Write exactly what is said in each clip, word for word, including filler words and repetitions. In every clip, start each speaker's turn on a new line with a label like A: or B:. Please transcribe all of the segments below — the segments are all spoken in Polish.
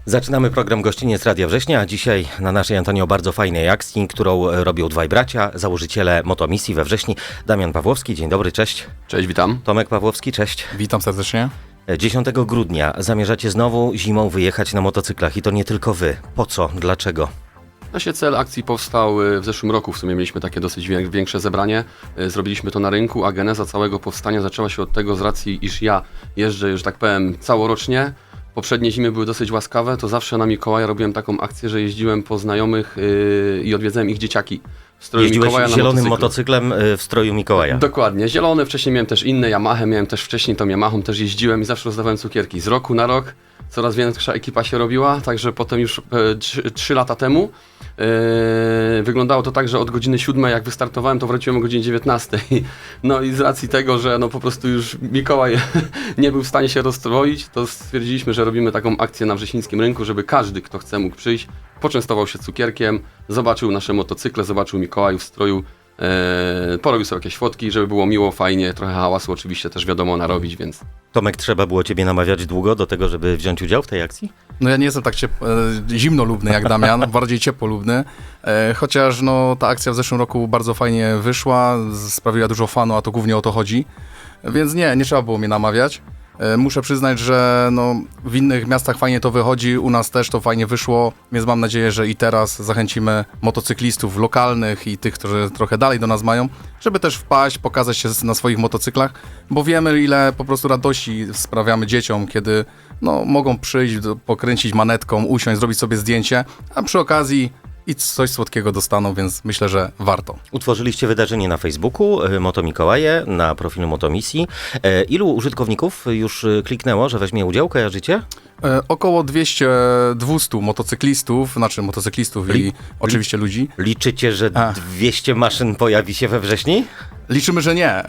A: Zaczynamy program Gościniec Radia Września, a dzisiaj na naszej antenie o bardzo fajnej akcji, którą robią dwaj bracia, założyciele Motomisji we Wrześni. Damian Pawłowski, dzień dobry, cześć.
B: Cześć, witam.
A: Tomek Pawłowski, cześć.
C: Witam serdecznie.
A: dziesiątego grudnia zamierzacie znowu zimą wyjechać na motocyklach i to nie tylko wy. Po co? Dlaczego?
B: Właśnie cel akcji powstał w zeszłym roku, w sumie mieliśmy takie dosyć większe zebranie, zrobiliśmy to na rynku, a geneza całego powstania zaczęła się od tego z racji, iż ja jeżdżę, że tak powiem, całorocznie. Poprzednie zimy były dosyć łaskawe, to zawsze na Mikołaja robiłem taką akcję, że jeździłem po znajomych yy, i odwiedzałem ich dzieciaki. W stroju
A: Jeździłeś
B: Mikołaja na
A: zielonym
B: motocyklu.
A: motocyklem w stroju Mikołaja.
B: Dokładnie, zielony, wcześniej miałem też inne Yamaha, miałem też wcześniej tą Yamahą, też jeździłem i zawsze rozdawałem cukierki. Z roku na rok coraz większa ekipa się robiła, także potem już trzy lata temu yy, wyglądało to tak, że od godziny siódmej jak wystartowałem, to wróciłem o godzinie dziewiętnastej. No i z racji tego, że no po prostu już Mikołaj nie był w stanie się rozstroić, to stwierdziliśmy, że robimy taką akcję na wrześnińskim rynku, żeby każdy, kto chce, mógł przyjść, poczęstował się cukierkiem, zobaczył nasze motocykle, zobaczył Mikołajów w stroju, Eee, porobił sobie jakieś fotki, żeby było miło, fajnie, trochę hałasu oczywiście też wiadomo narobić, więc...
A: Tomek, trzeba było ciebie namawiać długo do tego, żeby wziąć udział w tej akcji?
C: No ja nie jestem tak ciep- e, zimnolubny jak Damian, bardziej ciepłolubny, e, chociaż no, ta akcja w zeszłym roku bardzo fajnie wyszła, z- sprawiła dużo fanu, a to głównie o to chodzi, więc nie, nie trzeba było mnie namawiać. E, muszę przyznać, że no, w innych miastach fajnie to wychodzi, u nas też to fajnie wyszło, więc mam nadzieję, że i teraz zachęcimy motocyklistów lokalnych i tych, którzy trochę dalej do nas mają, żeby też wpaść, pokazać się na swoich motocyklach, bo wiemy, ile po prostu radości sprawiamy dzieciom, kiedy no, mogą przyjść, do- pokręcić manetką, usiąść, zrobić sobie zdjęcie, a przy okazji i coś słodkiego dostaną, więc myślę, że warto.
A: Utworzyliście wydarzenie na Facebooku, y, Moto Mikołaje, na profilu Motomisji. E, Ilu użytkowników już y, kliknęło, że weźmie udział? Kojarzycie?
C: E, około dwieście dwieście motocyklistów, znaczy motocyklistów
A: Li-
C: i oczywiście ludzi.
A: Liczycie, że
C: A.
A: dwieście maszyn pojawi się we wrześni?
C: Liczymy, że nie,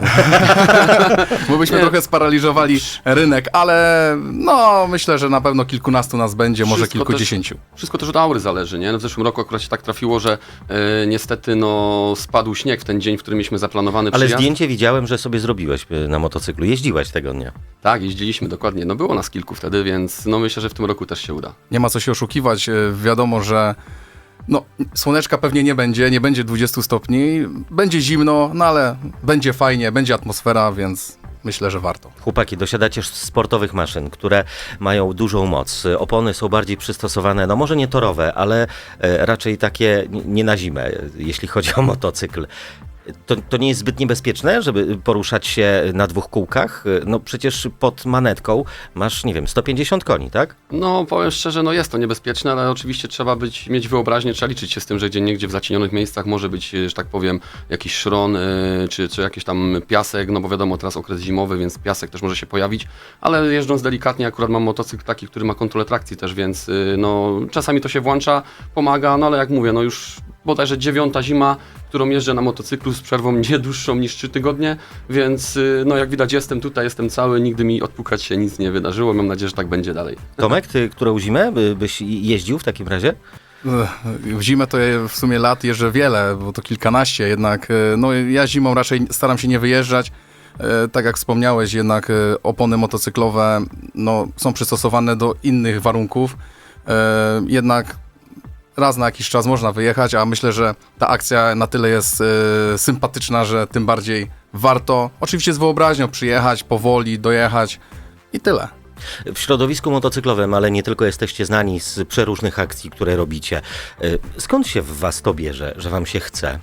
C: bo byśmy
B: Nie.
C: trochę sparaliżowali rynek, ale no myślę, że na pewno kilkunastu nas będzie, może
B: Wszystko
C: kilkudziesięciu.
B: Wszystko też od aury zależy, nie? No w zeszłym roku akurat się tak trafiło, że e, niestety no spadł śnieg w ten dzień, w którym mieliśmy zaplanowany
A: Ale
B: przyjazd.
A: zdjęcie widziałem, że sobie zrobiłeś y, na motocyklu. Jeździłeś tego dnia.
B: Tak, jeździliśmy dokładnie, no było nas kilku wtedy, więc no myślę, że w tym roku też się uda.
C: Nie ma co się oszukiwać, e, wiadomo, że no, słoneczka pewnie nie będzie, nie będzie dwudziestu stopni, będzie zimno, no ale będzie fajnie, będzie atmosfera, więc myślę, że warto.
A: Chłopaki, dosiadacie sportowych maszyn, które mają dużą moc. Opony są bardziej przystosowane, no może nie torowe, ale e, raczej takie n- nie na zimę, e, jeśli chodzi o motocykl. To, to nie jest zbyt niebezpieczne, żeby poruszać się na dwóch kółkach? E, No przecież pod manetką masz, nie wiem, sto pięćdziesiąt koni, tak?
B: No powiem szczerze, no jest to niebezpieczne, ale oczywiście trzeba być, mieć wyobraźnię, trzeba liczyć się z tym, że gdzie niegdzie w zacienionych miejscach może być, że tak powiem, jakiś szron, yy, czy, czy jakiś tam piasek, no bo wiadomo, teraz okres zimowy, więc piasek też może się pojawić, ale jeżdżąc delikatnie, akurat mam motocykl taki, który ma kontrolę trakcji też, więc yy, no czasami to się włącza, pomaga, no ale jak mówię, no już bodajże dziewiąta zima, którą jeżdżę na motocyklu z przerwą nie dłuższą niż trzy tygodnie, więc yy, no jak widać jestem tutaj, jestem cały, nigdy mi odpukać się nic nie wydarzyło, mam nadzieję, że tak będzie dalej.
A: Tomek, ty którą zimę by, byś jeździł w takim razie?
C: W zimę to ja w sumie lat jeżdżę wiele, bo to kilkanaście, jednak e, no ja zimą raczej staram się nie wyjeżdżać. E, Tak jak wspomniałeś, jednak e, opony motocyklowe no, są przystosowane do innych warunków. E, Jednak raz na jakiś czas można wyjechać, a myślę, że ta akcja na tyle jest e, sympatyczna, że tym bardziej warto oczywiście z wyobraźnią przyjechać, powoli dojechać i tyle.
A: W środowisku motocyklowym, ale nie tylko, jesteście znani z przeróżnych akcji, które robicie. E, Skąd się w was to bierze, że wam się chce?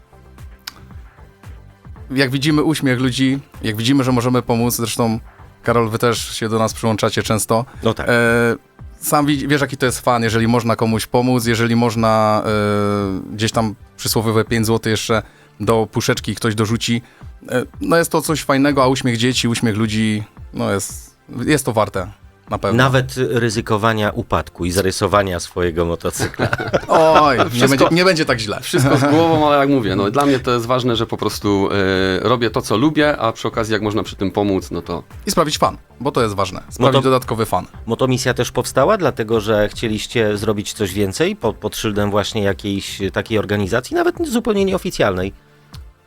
C: Jak widzimy uśmiech ludzi, jak widzimy, że możemy pomóc, zresztą Karol, wy też się do nas przyłączacie często.
A: No tak.
C: E, sam widz- wiesz, jaki to jest fan, jeżeli można komuś pomóc, jeżeli można e, gdzieś tam przysłowiowe pięć złotych jeszcze do puszeczki ktoś dorzuci. E, no jest to coś fajnego, a uśmiech dzieci, uśmiech ludzi, no jest, jest to warte. Na pewno.
A: Nawet ryzykowania upadku i zarysowania swojego motocykla.
C: Oj, nie
B: Wszystko-
C: będzie, nie będzie tak źle.
B: Wszystko z głową, ale jak mówię, no dla mnie to jest ważne, że po prostu e, robię to, co lubię, a przy okazji jak można przy tym pomóc, no to...
C: I sprawić fan, bo to jest ważne. Sprawić
A: to-
C: dodatkowy fan.
A: Motomisja też powstała, dlatego że chcieliście zrobić coś więcej pod, pod szyldem właśnie jakiejś takiej organizacji, nawet zupełnie nieoficjalnej.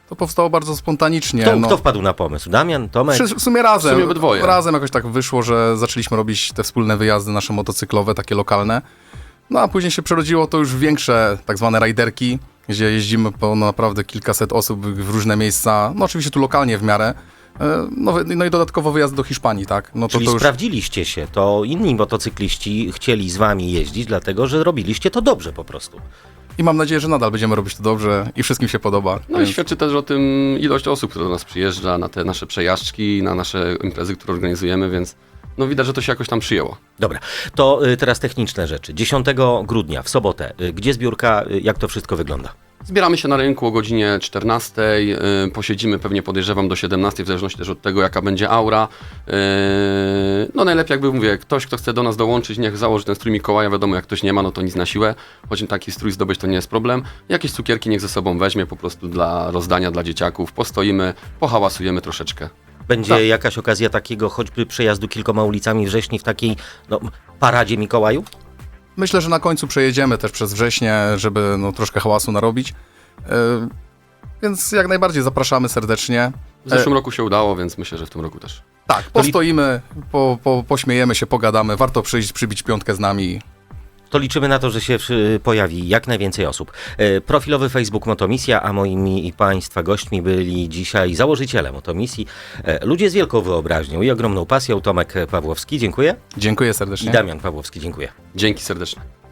C: To powstało bardzo spontanicznie.
A: Kto,
C: no.
A: kto wpadł na pomysł? Damian, Tomek?
C: Przy- W sumie razem.
B: W sumie obydwoje.
C: Razem jakoś tak wyszło, że zaczęliśmy robić te wspólne wyjazdy nasze motocyklowe, takie lokalne. No a później się przerodziło to już w większe tak zwane rajderki, gdzie jeździmy po no, naprawdę kilkaset osób w różne miejsca. No oczywiście tu lokalnie w miarę. E, No, no i dodatkowo wyjazd do Hiszpanii, tak? No to,
A: Czyli
C: to już...
A: sprawdziliście się, to inni motocykliści chcieli z wami jeździć, dlatego że robiliście to dobrze po prostu.
C: I mam nadzieję, że nadal będziemy robić to dobrze i wszystkim się podoba.
B: No i
C: Więc-
B: świadczy też o tym ilość osób, która do nas przyjeżdża na te nasze przejażdżki, na nasze imprezy, które organizujemy, więc no widać, że to się jakoś tam przyjęło.
A: Dobra, to y, teraz techniczne rzeczy. dziesiątego grudnia, w sobotę, y, gdzie zbiórka, y, jak to wszystko wygląda?
B: Zbieramy się na rynku o godzinie czternastej, yy, posiedzimy pewnie podejrzewam do siedemnastej, w zależności też od tego, jaka będzie aura. Yy, no najlepiej jakby mówię, ktoś, kto chce do nas dołączyć, niech założy ten strój Mikołaja, wiadomo, jak ktoś nie ma, no to nic na siłę, choć taki strój zdobyć to nie jest problem. Jakieś cukierki niech ze sobą weźmie, po prostu dla rozdania dla dzieciaków, postoimy, pohałasujemy troszeczkę.
A: Będzie
B: Tak.
A: jakaś okazja takiego choćby przejazdu kilkoma ulicami wrześni w takiej no, paradzie Mikołajów?
C: Myślę, że na końcu przejedziemy też przez wrześnie, żeby no, troszkę hałasu narobić. E, Więc jak najbardziej zapraszamy serdecznie.
B: W zeszłym roku się udało, więc myślę, że w tym roku też.
C: Tak, postoimy, po, po, pośmiejemy się, pogadamy. Warto przyjść, przybić piątkę z nami.
A: To liczymy na to, że się y, pojawi jak najwięcej osób. Y, Profilowy Facebook Motomisja, a moimi i Państwa gośćmi byli dzisiaj założyciele Motomisji, y, ludzie z wielką wyobraźnią i ogromną pasją, Tomek Pawłowski, dziękuję,
C: Dziękuję
A: i
C: serdecznie.
A: Damian Pawłowski, dziękuję.
B: Dzięki serdecznie.